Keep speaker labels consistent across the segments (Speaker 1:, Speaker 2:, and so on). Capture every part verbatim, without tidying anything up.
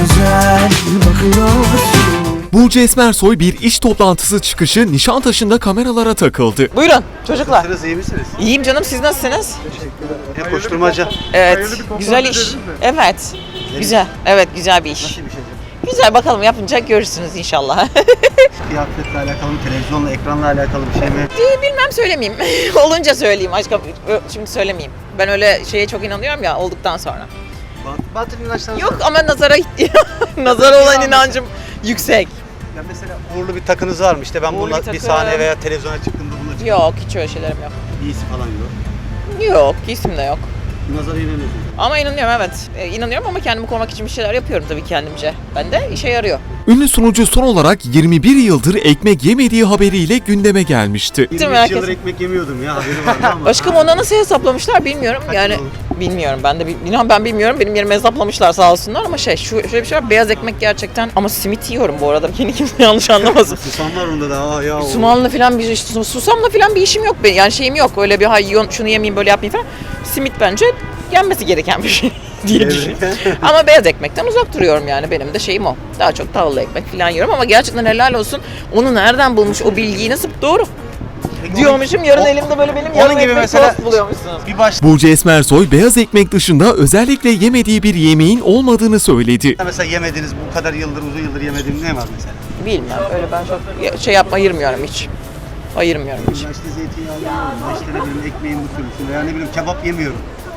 Speaker 1: güzel bakıyorsun.
Speaker 2: Burcu Esmersoy bir iş toplantısı çıkışı Nişantaşı'nda kameralara takıldı.
Speaker 3: Buyurun çocuklar.
Speaker 4: Nasılsınız, iyi misiniz?
Speaker 3: İyiyim canım, siz nasılsınız?
Speaker 4: Hep koşturmaca.
Speaker 3: Evet, güzel iş. Evet, güzel. Evet, güzel bir iş.
Speaker 4: Nasıl bir şey?
Speaker 3: Güzel, bakalım yapınca görürsünüz inşallah.
Speaker 4: Kıyafetle alakalı mı, televizyonla, ekranla alakalı bir şey mi?
Speaker 3: Bilmem, söylemeyeyim. Olunca söyleyeyim aşkım. Şimdi söylemeyeyim. Ben öyle şeye çok inanıyorum ya, olduktan sonra.
Speaker 4: Bat- Batıl inançlarınız
Speaker 3: Yok
Speaker 4: var.
Speaker 3: ama nazara nazara olan inancım yüksek.
Speaker 4: Ya mesela uğurlu bir takınız var mı? İşte ben
Speaker 3: Uğurlu
Speaker 4: bununla
Speaker 3: bir
Speaker 4: bir,
Speaker 3: takım.
Speaker 4: sahneye veya televizyona çıktığımda bununla çıktım.
Speaker 3: Yok, hiç öyle şeylerim yok.
Speaker 4: İyisi falan yok.
Speaker 3: Yok, isim de yok.
Speaker 4: Nazara inanıyorsunuz.
Speaker 3: Ama inanıyorum, evet. E, inanıyorum ama kendimi korumak için bir şeyler yapıyorum tabii kendimce. Ben de işe yarıyor.
Speaker 2: Ünlü sunucu son olarak yirmi bir yıldır ekmek yemediği haberiyle gündeme gelmişti.
Speaker 3: Değil mi
Speaker 4: yirmi üç
Speaker 3: herkes?
Speaker 4: yıldır ekmek yemiyordum ya, haberi vardı ama.
Speaker 3: Aşkım ona nasıl hesaplamışlar bilmiyorum.
Speaker 4: Kaç
Speaker 3: Yani
Speaker 4: yıl oldu?
Speaker 3: bilmiyorum, ben de bil- inan ben bilmiyorum. Benim yerime hesaplamışlar sağ olsunlar ama şey şu şöyle bir şey var. Beyaz ekmek gerçekten ama simit yiyorum bu arada. Yeni kimse yanlış anlamasın.
Speaker 4: Susam var onda da. Aa, ya, o.
Speaker 3: Sumanla falan bir işte susamla falan bir işim yok benim. Yani şeyim yok. Öyle bir hay yiyon- şunu yemeyeyim böyle yapmayayım falan. Simit bence yenmesi gereken bir şey diye düşünüyorum. Ama beyaz ekmekten uzak duruyorum yani. Benim de şeyim o. Daha çok tahıllı ekmek falan yiyorum ama gerçekten helal olsun. Onu nereden bulmuş o bilgiyi, nasıl doğru diyormuşum. Yarın
Speaker 4: o-
Speaker 3: elimde böyle benim
Speaker 4: onun
Speaker 3: yarım
Speaker 4: gibi
Speaker 3: ekmek
Speaker 4: mesela-
Speaker 3: tost buluyormuşsunuz.
Speaker 4: Bir baş
Speaker 2: Burcu Esmersoy beyaz ekmek dışında özellikle yemediği bir yemeğin olmadığını söyledi.
Speaker 4: mesela yemediğiniz, bu kadar yıldır, uzun yıldır yemediğiniz ne var mesela?
Speaker 3: Bilmem, öyle ben çok şey yapma, ayırmıyorum hiç. Ayırmıyorum hiç.
Speaker 4: Ya işte zeytinyağı yemiyorum, ya işte ne bileyim ekmeğin mutluyum veya ne bileyim kebap yemiyorum.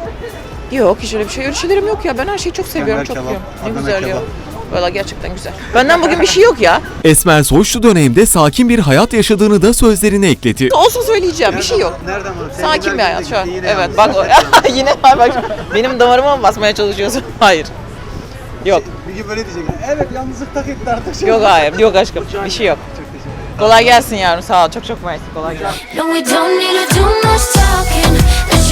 Speaker 3: Yok, hiç öyle bir şey, öyle şeylerim yok ya. Ben her şeyi çok seviyorum,
Speaker 4: İskender
Speaker 3: çok
Speaker 4: kebap,
Speaker 3: yiyorum. Ne
Speaker 4: Adana
Speaker 3: güzel ya.
Speaker 4: kebap.
Speaker 3: Valla gerçekten güzel. Benden bugün bir şey yok ya.
Speaker 2: Esmersoy şu dönemde sakin bir hayat yaşadığını da sözlerine ekledi.
Speaker 3: Olsun söyleyeceğim, bir şey yok.
Speaker 4: Nereden var?
Speaker 3: Sakin bir hayat şu an.
Speaker 4: Yine
Speaker 3: Evet,
Speaker 4: yalnız.
Speaker 3: bak o- yine bak benim damarıma mı basmaya çalışıyorsun? Hayır. Yok.
Speaker 4: Bir gün böyle diyecek. Evet, yalnızlıkta gitti artık.
Speaker 3: Yok hayır, yok aşkım. Bir şey yok.
Speaker 4: Çok teşekkür ederim.
Speaker 3: Kolay gelsin yavrum, sağ ol. Çok çok mersi. Kolay gelsin.
Speaker 5: No, we don't need to do much talking. There's